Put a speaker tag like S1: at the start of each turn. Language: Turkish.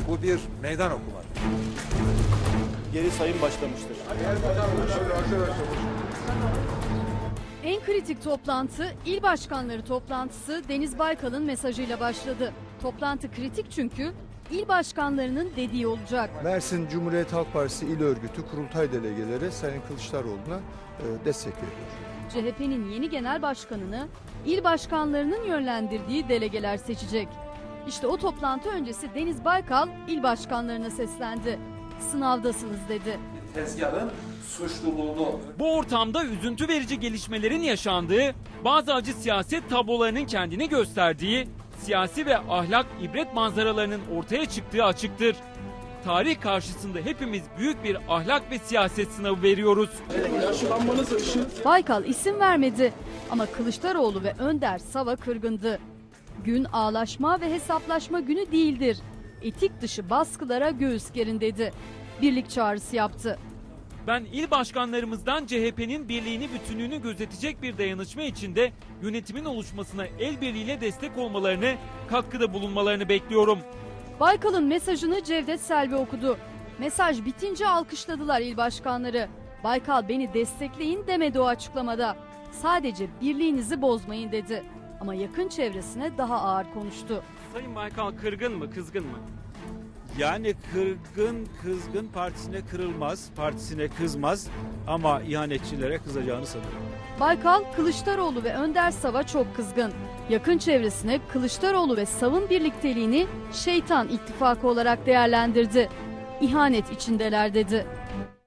S1: Bu bir meydan okumadır.
S2: Geri sayım başlamıştır.
S3: En kritik toplantı il başkanları toplantısı Deniz Baykal'ın mesajıyla başladı. Toplantı kritik çünkü il başkanlarının dediği olacak.
S4: Mersin Cumhuriyet Halk Partisi İl Örgütü kurultay delegeleri Sayın Kılıçdaroğlu'na destek veriyor.
S3: CHP'nin yeni genel başkanını il başkanlarının yönlendirdiği delegeler seçecek. İşte o toplantı öncesi Deniz Baykal il başkanlarına seslendi. Sınavdasınız dedi.
S1: Tezgahın suçluluğunu...
S5: Bu ortamda üzüntü verici gelişmelerin yaşandığı, bazı acı siyaset tablolarının kendini gösterdiği, siyasi ve ahlak ibret manzaralarının ortaya çıktığı açıktır. Tarih karşısında hepimiz büyük bir ahlak ve siyaset sınavı veriyoruz.
S3: Baykal isim vermedi ama Kılıçdaroğlu ve Önder Sava kırgındı. Gün ağlaşma ve hesaplaşma günü değildir. Etik dışı baskılara göğüs gerin dedi. Birlik çağrısı yaptı.
S5: Ben il başkanlarımızdan CHP'nin birliğini, bütünlüğünü gözetecek bir dayanışma içinde yönetimin oluşmasına el birliğiyle destek olmalarını, katkıda bulunmalarını bekliyorum.
S3: Baykal'ın mesajını Cevdet Selvi okudu. Mesaj bitince alkışladılar il başkanları. Baykal beni destekleyin demedi o açıklamada. Sadece birliğinizi bozmayın dedi. Ama yakın çevresine daha ağır konuştu.
S5: Sayın Baykal kırgın mı, kızgın mı?
S2: Yani kızgın partisine kırılmaz, partisine kızmaz ama ihanetçilere kızacağını sanıyorum.
S3: Baykal, Kılıçdaroğlu ve Önder Sav'a çok kızgın. Yakın çevresine Kılıçdaroğlu ve Sav'ın birlikteliğini şeytan ittifakı olarak değerlendirdi. İhanet içindeler dedi.